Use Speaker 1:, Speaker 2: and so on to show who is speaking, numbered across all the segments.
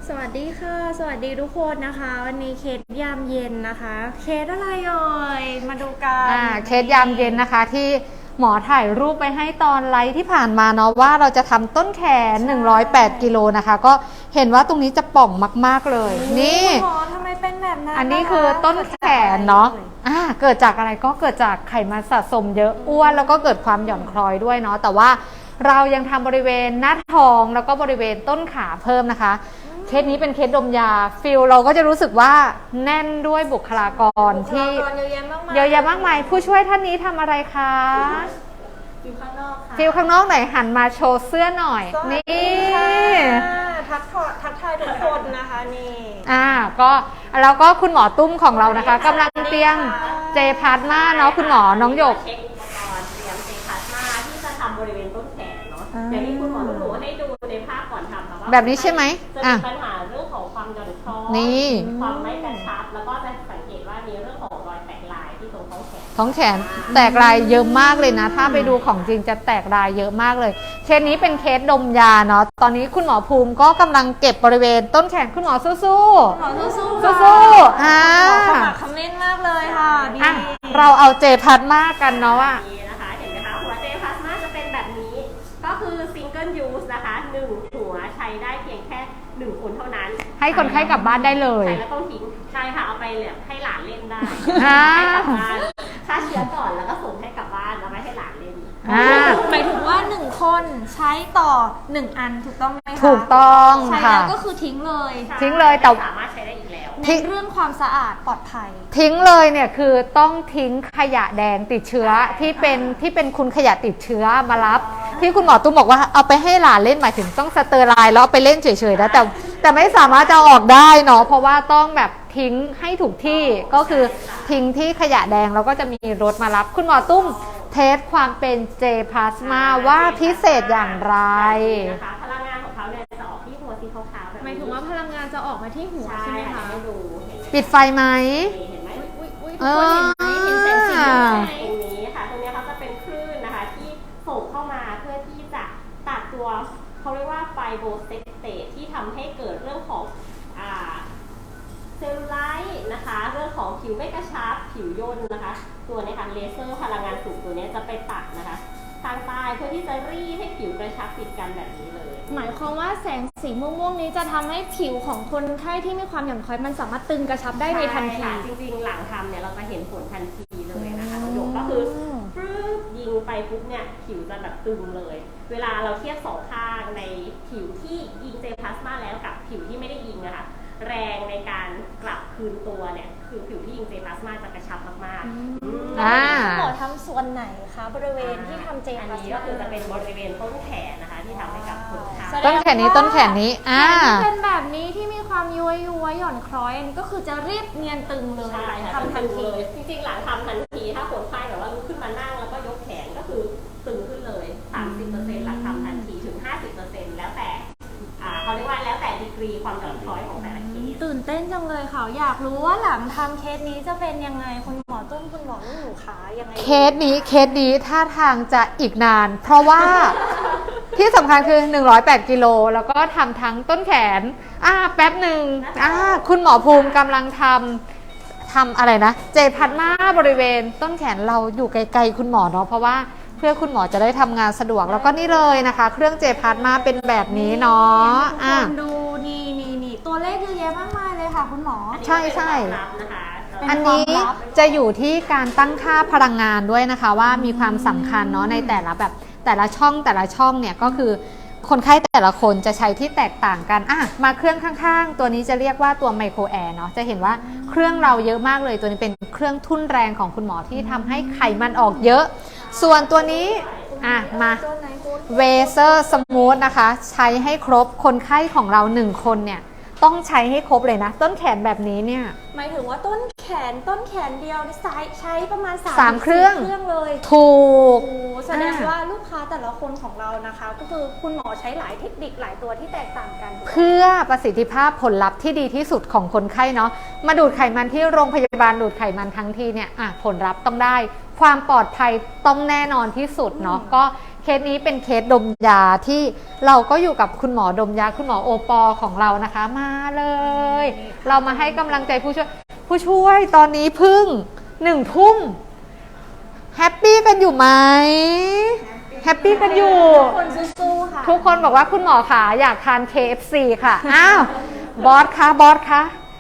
Speaker 1: สวัสดีค่ะสวัสดีทุกคนนะคะวันนี้เคสยามเย็นนะคะเคสอะไรเอ่ยมาดูกัน
Speaker 2: เคสยามเย็นนะคะที่หมอถ่ายรูปไปให้ตอนไลฟ์ที่ผ่านมาเนาะว่าเราจะทำต้นแขน108กิโลนะคะก็เห็นว่าตรงนี้จะป่องมากๆเลยนี่
Speaker 1: หมอทำไมเป็นแบบนั้น
Speaker 2: อันนี้คือต้นแขนเนาะเกิดจากอะไรก็เกิดจากไขมันสะสมเยอะอ้วนแล้วก็เกิดความหย่อนคล้อยด้วยเนาะแต่ว่าเรายังทำบริเวณหน้าท้องแล้วก็บริเวณต้นขาเพิ่มนะคะเคสนี้เป็นเคสดมยาฟิลเราก็จะรู้สึกว่าแน่นด้วยบุคลากรที่เยอะแยะมากมายผู้ช่วยท่านนี้ทำอะไรคะ
Speaker 1: ฟิลข้างนอกค่ะ
Speaker 2: ฟิลข้างนอกไหนหันมาโชว์เสื้อหน่อยนี่
Speaker 1: ทักทายทุกคนนะคะนี่
Speaker 2: ก็แล้วก็คุณหมอตุ้มของเรานะคะกำลังเตรียมเจพาร์ทมาเนาะคุณหมอน้องหยก
Speaker 3: เช็คอุปกรณ์เตรียมเจพาร์ทมาที่จะทำบริเวณต้นแขนเนาะอย่างที่คุณหมอหนูให้ดูในภาพก่อนทำค่ะว่า
Speaker 2: แบบนี้ใช่ไหม
Speaker 3: จะมีปัญหาเรื่องของความหย่อนคล้อยความไม่กระชับแล้วก็จะสังเกตว่ามีเรื่องของรอยแตกลายที่ตรงท้องแขน
Speaker 2: แตกลายเยอะมากเลยนะถ้าไปดูของจริงจะแตกลายเยอะมากเลยเคสนี้เป็นเคสดมยาเนาะตอนนี้คุณหมอภูมิก็กำลังเก็บบริเวณต้นแขนคุณหมอสู้
Speaker 1: หมอสู้
Speaker 2: ๆ
Speaker 1: คำเล่นมากเลยค่ะดี
Speaker 2: เราเอาเจพาร์ทมากันเนาะว่า
Speaker 3: นะคะเห็นไหมคะหัวเจพาร์ทมาจะเป็นแบบนี้ก็คือซิงเกิลยูสนะคะ1หัวใช้ได้เพียงแค่1คนเท่านั้น
Speaker 2: ให้คนไข้กลับบ้านได้เลย
Speaker 3: ใช้แล้วต้องทิ้งใช่ค่ะเอาไปเลยให้หลานเล่นได้ให้กลับบ้านฆ่าเชื้อก่อนแล้วก็ส่งให้กลับบ้านแล้วไม่ให้หลานเล่น
Speaker 1: หมายถึงว่า1คนใช้ต่อ1อันถูกต้องไหมคะ
Speaker 2: ถูกต้อง
Speaker 1: ใช้แล้วก็คือทิ้งเลย
Speaker 2: แต่
Speaker 3: สามารถใช้ได้อีกแล้ว
Speaker 1: ในเรื่องความสะอาดปลอดภัย
Speaker 2: ทิ้งเลยเนี่ยคือต้องทิ้งขยะแดงติดเชื้อที่เป็นคุณขยะติดเชื้อมารับที่คุณหมอตุ้มบอกว่าเอาไปให้หลานเล่นหมายถึงต้องสเตอร์ไลน์แล้วไปเล่นเฉยๆนะแต่ไม่สามารถจะออกได้เนาะเพราะว่าต้องแบบทิ้งให้ถูกที่ก็คือทิ้งที่ขยะแดงแล้วก็จะมีรถมารับคุณหมอตุ้มเทสความเป็นเจพลาสมาว่าพิเศษอย่างไร
Speaker 3: นะคะพลังงานของเขาเนี่ยจะออกที่หัวสีขาวๆแบบนี้
Speaker 1: หมายถึงว่าพลังงานจะออกมาที่หัวใช่ไหมคะ
Speaker 3: ดู
Speaker 2: ปิดไฟไหม
Speaker 3: เห็นไหม
Speaker 1: เห็นแสงสี
Speaker 3: ตรงนี้ค่ะตรงนี้เขาจะเป็นคลื่นนะคะที่ส่งเข้ามาเพื่อที่จะตัดตัวเขาเรียกว่าไฟโบเซตเตทที่ทำให้เกิดเรื่องของเซลลูไลท์นะคะเรื่องของผิวไม่กระชับผิวย่นนะคะตัวนี้ค่ะเลเซอร์พลังงานสูงตัวนี้จะไปตัดนะคะทางใต้เพื่อที่จะรีดให้ผิวกระชับติดกันแบบนี้เลย
Speaker 1: หมายความว่าแสงสีม่วงๆนี้จะทำให้ผิวของคนไข้ที่มีความหย่อนคล้อยมันสามารถตึงกระชับได้ในทันที
Speaker 3: จริงๆหลังทำเนี่ยเราจะเห็นผลทันทีเลยนะคะประโยคก็คือยิงไปปุ๊บเนี่ยผิวจะแบบตึงเลยเวลาเราเทียบสองข้างในผิวที่ยิงเจพลาสมาแล้วกับผิวที่ไม่ได้ยิงนะคะแรงในการกลับคืนตัวเนี่ยคือผิวที่ยิงเจพลาสมาจะกระชับมาก
Speaker 1: ๆคุณหมอทำส่วนไหนคะบริเวณที่ทำเจพลาสมา
Speaker 3: ก็คือจะเป็นบริเวณต้นแขนนะคะที่ทำให้กับคนไข้
Speaker 2: ต้นแขนนี้
Speaker 1: เป็นแบบนี้ที่มีความย้วยหย่อนคล้อยอันนี้ก็คือจะรีบเนียนตึงเลยทำทันที
Speaker 3: จริงๆหลังทำทันทีถ้าคนไข้แบบว่าลุกขึ้นมานั่งแล้วก็ยกแขนก็คือตึงขึ้นเลย 30% หลังทำทันทีถึง 50% แล้วแต่เขาเรียกว่าแล้วแต่ดีกรีความหย่อนคล้อยของแต่ละเคส
Speaker 1: ตื่นเต้นจังเลยค่ะอยากรู้ว่าหลังทำเคสนี้จะเป็นยังไงคุณหมอตุ้มคุณหมอลูกหนูขายังไง
Speaker 2: เคสนี้ท่าทางจะอีกนานเพราะว่าที่สำคัญคือ108กิโลแล้วก็ทำทั้งต้นแขนแป๊บหนึ่งคุณหมอภูมิกำลังทำอะไรนะเจพัดมาบริเวณต้นแขนเราอยู่ไกลๆคุณหมอเนาะเพราะว่าเพื่อคุณหมอจะได้ทำงานสะดวกแล้วก็นี่เลยนะคะเครื่องเจพาร์ทมาเป็นแบบนี้เนาะ
Speaker 1: ดูนี่ตัวเลขเยอะแยะมากมายเลยค่ะคุณหมอ
Speaker 2: ใช่อันนี้จะอยู่ที่การตั้งค่าพลังงานด้วยนะคะว่ามีความสำคัญเนาะในแต่ละช่องเนี่ยก็คือคนไข้แต่ละคนจะใช้ที่แตกต่างกันมาเครื่องข้างๆตัวนี้จะเรียกว่าตัวไมโครแอร์เนาะจะเห็นว่าเครื่องเราเยอะมากเลยตัวนี้เป็นเครื่องทุ่นแรงของคุณหมอที่ทำให้ไขมันออกเยอะส่วนตัวนี้มาเวเซอร์สมูทนะคะใช้ให้ครบคนไข้ของเรา1คนเนี่ยต้องใช้ให้ครบเลยนะต้นแขนแบบนี้เนี่ย
Speaker 1: หมายถึงว่าต้นแขนเดียวใช้ประมาณ
Speaker 2: 3 เครื่อง
Speaker 1: เลย
Speaker 2: ถูก
Speaker 1: แสดงว่าลูกค้าแต่ละคนของเรานะคะก็คือคุณหมอใช้หลายเทคนิคหลายตัวที่แตกต่างกัน
Speaker 2: เพื่อประสิทธิภาพผลลัพธ์ที่ดีที่สุดของคนไข้เนาะมาดูดไขมันที่โรงพยาบาลดูดไขมันทั้งทีเนี่ยผลลัพธ์ต้องได้ความปลอดภัยต้องแน่นอนที่สุดเนาะก็เคสนี้เป็นเคสดมยาที่เราก็อยู่กับคุณหมอดมยาคุณหมอโอปอของเรานะคะมาเลย เรามาให้กำลังใจผู้ช่วยตอนนี้เพึ่ง1 ทุ่มแฮปปี้กันอยู่ไหมแฮปปี้กันอยู่
Speaker 1: คนสู้ๆค่ะ
Speaker 2: ทุกคนบอกว่าคุณหมอขาอยากทาน KFC ค่ะ อ้าว บอสคะ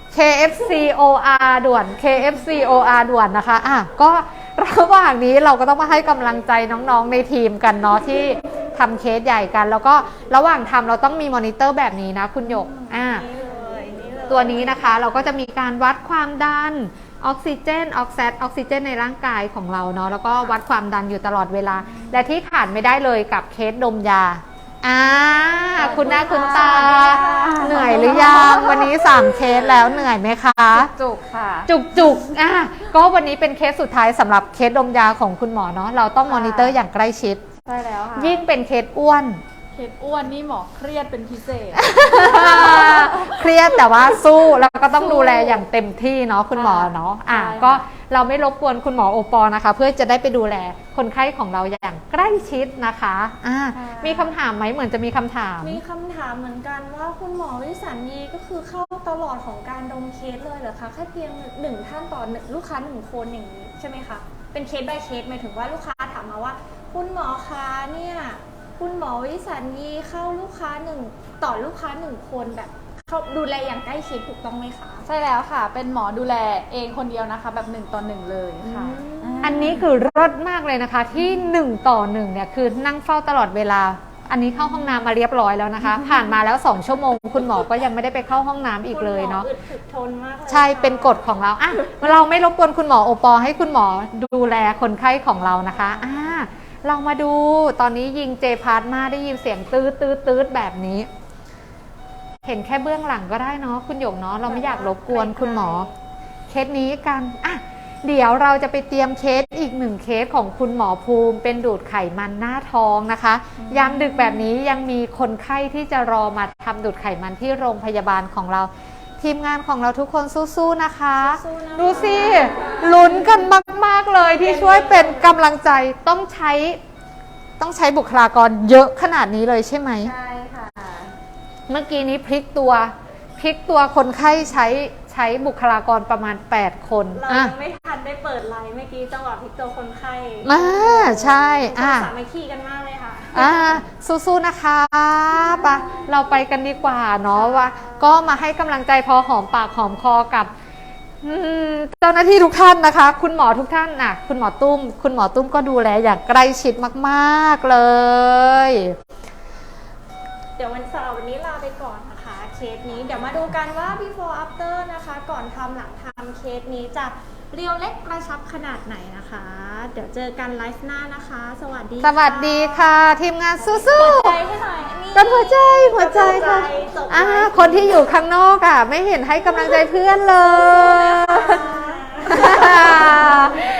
Speaker 2: KFC OR ด่วน KFC OR ด่วนนะคะก็ระหว่างนี้เราก็ต้องมาให้กำลังใจน้องๆในทีมกันเนาะที่ทำเคสใหญ่กัน แล้วก็ระหว่างทำเราต้องมีมอนิเตอร์แบบนี้นะคุณหยกตัวนี้นะคะเราก็จะมีการวัดความดันออกซิเจนออกซิเจนในร่างกายของเราเนาะแล้วก็วัดความดันอยู่ตลอดเวลาและที่ขาดไม่ได้เลยกับเคสดมยาคุณหน้าคุณตาเหนื่อยหรือยังวันนี้3เคสแล้วเหนื่อยไหมคะ
Speaker 1: จุกค่ะ
Speaker 2: จุกก็วันนี้เป็นเคสสุดท้ายสำหรับเคสดมยาของคุณหมอเนาะเราต้องมอนิเตอร์อย่างใกล้ชิด
Speaker 1: ใช่แล้วค่ะ
Speaker 2: ยิ่งเป็นเคสอ้วน
Speaker 1: นี่หมอเครียดเป็นพิเศษ
Speaker 2: เครียดแต่ว่าสู้แล้วก็ต้องดูแลอย่างเต็มที่เนาะคุณหมอเนาะก็เราไม่รบกวนคุณหมอโอปอนะคะเพื่อจะได้ไปดูแลคนไข้ของเราอย่างใกล้ชิดนะคะมีคำถามไหมเหมือนจะมีคำถาม
Speaker 1: มีคำถามเหมือนกันว่าคุณหมอวิสัญญีก็คือเข้าตลอดของการดมเคสเลยเหรอคะแค่เพียง1 ท่านต่อลูกค้า1 คนอย่างนี้ใช่ไหมคะเป็นเคส by เคสหมายถึงว่าลูกค้าถามมาว่าคุณหมอคะเนี่ยคุณหมอวิสัญญีเข้าลูกค้าต่อลูกค้า1 คนแบบเขาดูแลอย่างใกล้ชิดถูกต้องไหมคะ
Speaker 4: ใช่แล้วค่ะเป็นหมอดูแลเองคนเดียวนะคะแบบ1 ต่อ 1เลยค่ะ
Speaker 2: อันนี้คือรสมากเลยนะคะที่1 ต่อ 1เนี่ยคือนั่งเฝ้าตลอดเวลาอันนี้เข้าห้องน้ำมาเรียบร้อยแล้วนะคะผ่านมาแล้ว2 ชั่วโมงคุณหมอก็ยังไม่ได้ไปเข้าห้องน้ำอีกเลยเนาะ
Speaker 1: ทนมากเลย
Speaker 2: ใช่เป็นกฎของเราเราไม่รบกวนคุณหมอโอปอให้คุณหมอดูแลคนไข้ของเรานะคะเรามาดูตอนนี้ยิงเจพาร์ทมาได้ยินเสียงตืดแบบนี้เห็นแค่เบื้องหลังก็ได้เนาะคุณหยกเนาะเราไม่อยากรบกวนคุณหมอเคสนี้กันเดี๋ยวเราจะไปเตรียมเคสอีก1 เคสของคุณหมอภูมิเป็นดูดไขมันหน้าท้องนะคะยามดึกแบบนี้ยังมีคนไข้ที่จะรอมาทำดูดไขมันที่โรงพยาบาลของเราทีมงานของเราทุกคนสู้ๆนะคะดูสิลุ้นกันมากๆเลยที่ช่วยเป็นกำลังใจต้องใช้บุคลากรเยอะขนาดนี้เลยใช่ไหม
Speaker 1: ใช่ค่ะ
Speaker 2: เมื่อกี้นี้พลิกตัวคนไข้ใช้บุคลากรประมาณ8 คน
Speaker 1: เรายังไม่ทันได้เปิดไลน์เมื่อกี้จังหวะพลิกตัวคนไข้
Speaker 2: ใช่
Speaker 1: สามัคคีกันมากเลยค่ะ
Speaker 2: สู้ๆนะคะปะเราไปกันดีกว่าเนาะว่าก็มาให้กำลังใจพอหอมปากหอมคอกับเจ้าหน้าที่ทุกท่านนะคะคุณหมอทุกท่านคุณหมอตุ้มก็ดูแลอย่างใกล้ชิดมากๆเลย
Speaker 1: เดี๋ยววันเสาร์วันนี้ลาไปก่อนนะคะเคสนี้เดี๋ยวมาดูกันว่า before after นะคะก่อนทำหลังทำเคสนี้จะเรียวเล็กกระชับขนาดไหนนะคะเดี๋ยวเจอกันไลฟ์หน้านะคะสวัสดี
Speaker 2: ค่ะทีมงานสู้ๆ
Speaker 1: หัวใจให้หน่อย
Speaker 2: กันหัวใจค่ะคนที่อยู่ข้างนอกไม่เห็นให้กำลังใจเพื่อนเลย